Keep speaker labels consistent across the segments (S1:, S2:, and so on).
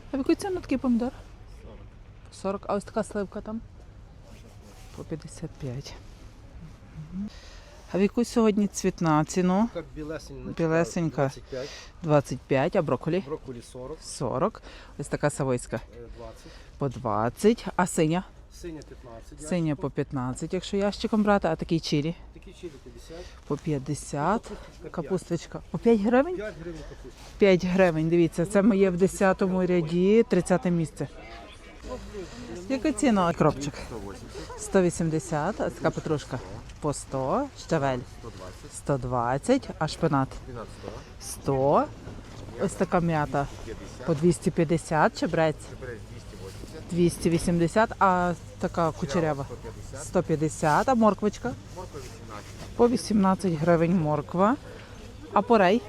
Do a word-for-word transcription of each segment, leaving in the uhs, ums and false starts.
S1: А в яку ціну такий помідор? сорок. А ось така сливка там? По п'ятдесят п'ять. А в яку сьогодні цвітна ціну?
S2: Как білесенька.
S1: Білесенька.
S2: двадцять п'ять.
S1: двадцять п'ять, а брокколі?
S2: Брокколі сорок.
S1: сорок. Ось така савойська.
S2: двадцять.
S1: По двадцять. А синя?
S2: Синя п'ятнадцять.
S1: Синя по п'ятнадцять, якщо ящиком брати, а такий чилі?
S2: Такі чилі п'ятдесят.
S1: По п'ятдесят. Капусточка. По п'ять гривень?
S2: п'ять гривень капуста.
S1: п'ять гривень, дивіться, це моє в десятому ряді, тридцяте місце. Яка ціна кропчик? сто вісімдесят, а така петрушка по сто, щавель сто двадцять, а шпинат сто. Ось така м'ята по двісті п'ятдесят, чебрець двісті вісімдесят, а така кучерява сто п'ятдесят, а морквочка по вісімнадцять гривень морква, а порей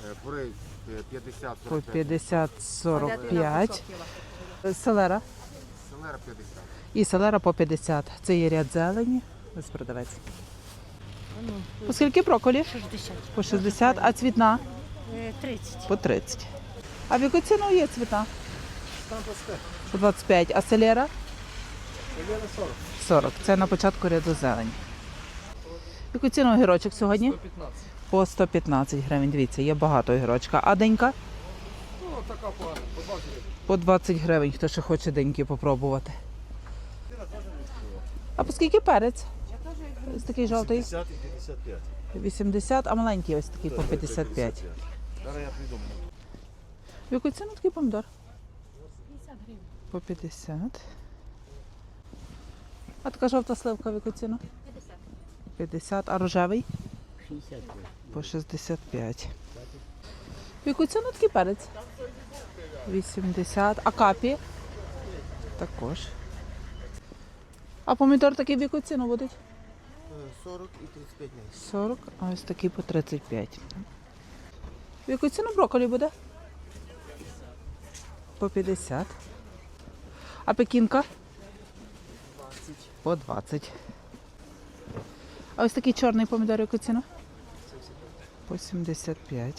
S1: по п'ятдесят сорок п'ять, селера і селера по п'ятдесят. Це є ряд зелені, ось продавець. По скільки брокколі?
S3: шістдесят.
S1: По шістдесят, а цвітна?
S3: тридцять.
S1: По тридцять. А в яку ціну є цвітна?
S2: Там пасте.
S1: По двадцять п'ять, а селера?
S2: Селера сорок.
S1: сорок. Це на початку ряду зелені. В яку ціну огірочок сьогодні?
S2: сто п'ятнадцять.
S1: По сто п'ятнадцять гривень. Дивіться, є багато огірочка. А денька?
S2: Ну, така погана. По двадцять гривень.
S1: По двадцять гривень, хто ще хоче деньки попробувати. А по скільки перець? Ось такий жовтий.
S2: п'ятдесят і п'ятдесят п'ять.
S1: вісімдесят, а маленький ось такий по п'ятдесят п'ять.
S2: Зараз я придумаю.
S1: В яку ціну такий помідор?
S3: п'ятдесят гривень.
S1: По п'ятдесят. А така жовта сливка в яку ціну?
S3: п'ятдесят.
S1: п'ятдесят. А рожевий?
S3: шістдесят.
S1: По шістдесят п'ять. В яку ціну такий перець? вісімдесят. А капі? Також. А помідор такий в яку ціну буде?
S2: сорок і тридцять п'ять місяців.
S1: сорок, а ось такий по тридцять п'ять. В яку ціну брокколі буде? По п'ятдесят. А пекінка? По двадцять. А ось такий чорний помідор, яку ціну? По сімдесят п'ять.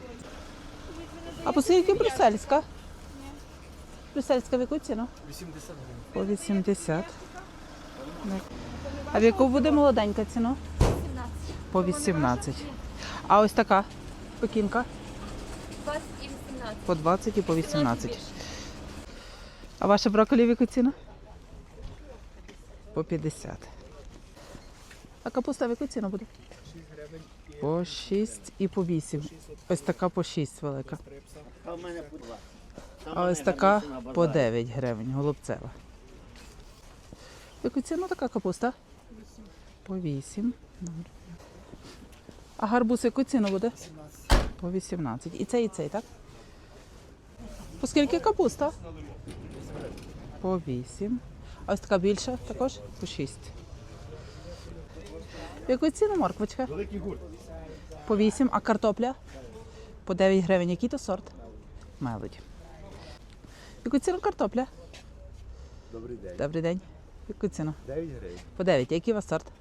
S1: А по скільки брюссельська? Брюссельська в яку ціну?
S2: вісімдесят гривень.
S1: По вісімдесят. А в яку буде молоденька ціна? По вісімнадцять. А ось така пекінка?
S3: двадцять і вісімнадцять.
S1: По двадцять і по вісімнадцять. А ваша брокколі в яку ціну? По п'ятдесят. А капуста в яку ціну буде? По шість і по вісім. Ось така по шість велика.
S4: А в мене по два.
S1: А ось така по дев'ять гривень, голубцева. В яку ціну така капуста? По вісім. А гарбуз в яку ціну буде? По вісімнадцять. І цей, і цей, так? По скільки капуста? По вісім. А ось така більша також? По шість. В яку ціну морквочка?
S2: Великий гурт.
S1: По вісім. А картопля? По дев'ять гривень. Який то сорт? Мелоді. В яку ціну картопля?
S2: Добрий день.
S1: Добрий день. В яку ціну?
S2: дев'ять гривень.
S1: По дев'ять. Який у вас сорт?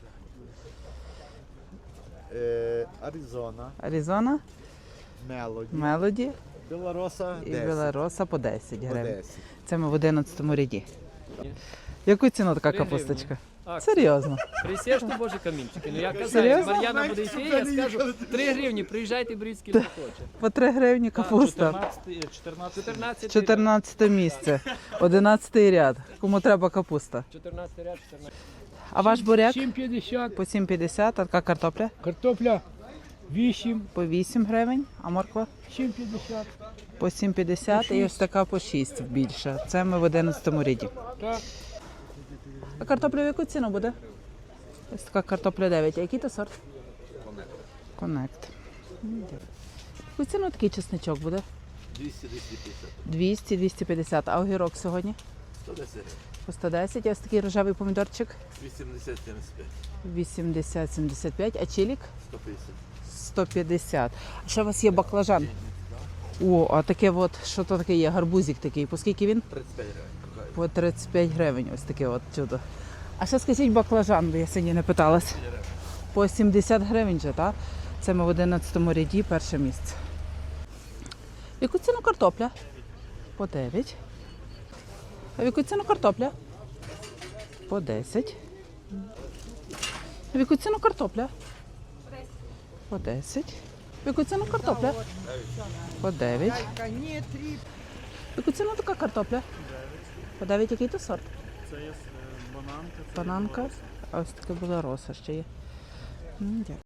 S2: Е, Аризона,
S1: Аризона,
S2: Мелоді,
S1: Мелоді
S2: Білороса,
S1: і
S2: десять.
S1: Білороса по десять
S2: По
S1: гривень.
S2: десять.
S1: Це ми в одинадцятому ряді. Яку ціну така
S5: Три
S1: капусточка?
S5: Акція.
S1: Серйозно?
S5: Присєш ти, боже, камінчики. Ну я казав,
S1: Серйозно?
S5: Мар'яна буде йти, я скажу, три гривні, приїжджайте, беріть скільки хоче.
S1: По три гривні капуста.
S5: чотирнадцять
S1: чотирнадцяте місце. одинадцятий ряд. Кому треба капуста.
S5: чотирнадцятий ряд, чотирнадцятий.
S1: А ваш буряк?
S6: сім п'ятдесят,
S1: По сім п'ятдесят, а така картопля?
S6: картопля вісім,
S1: По вісім гривень, а морква?
S6: сім п'ятдесят.
S1: По сім п'ятдесят і ось така по шість більша. Це ми в одинадцятому ряді.
S6: Так,
S1: А картопля в яку ціну буде? Ось така картопля дев'ять. А який то сорт? Коннект. Яку ціну такий чесничок буде?
S2: двісті - двісті п'ятдесят.
S1: двісті - двісті п'ятдесят. А огірок сьогодні?
S2: сто десять гривень.
S1: По сто десять. А ось такий рожевий помідорчик?
S2: вісімдесят - сімдесят п'ять.
S1: вісімдесят - сімдесят п'ять. А чилік?
S2: сто п'ятдесят.
S1: сто п'ятдесят. А ще у вас є баклажан? О, а таке от, що то таке є? Гарбузик такий. По скільки він?
S2: тридцять п'ять гривень.
S1: По тридцять п'ять гривень. Ось таке от чудо. А ще скажіть баклажан, бо я сьогодні не питалась. По сімдесят гривень же, так? Це ми в одинадцятому ряді, перше місце. Яку ціну картопля? По дев'ять. А в яку ціну картопля? По десять. А в яку ціну картопля? По десять. В яку ціну картопля? По дев'ять. В яку ціну така картопля? По дев'ять. Який то сорт?
S4: Це є бананка.
S1: Бананка. А ось таке була роса ще є. М, дякую.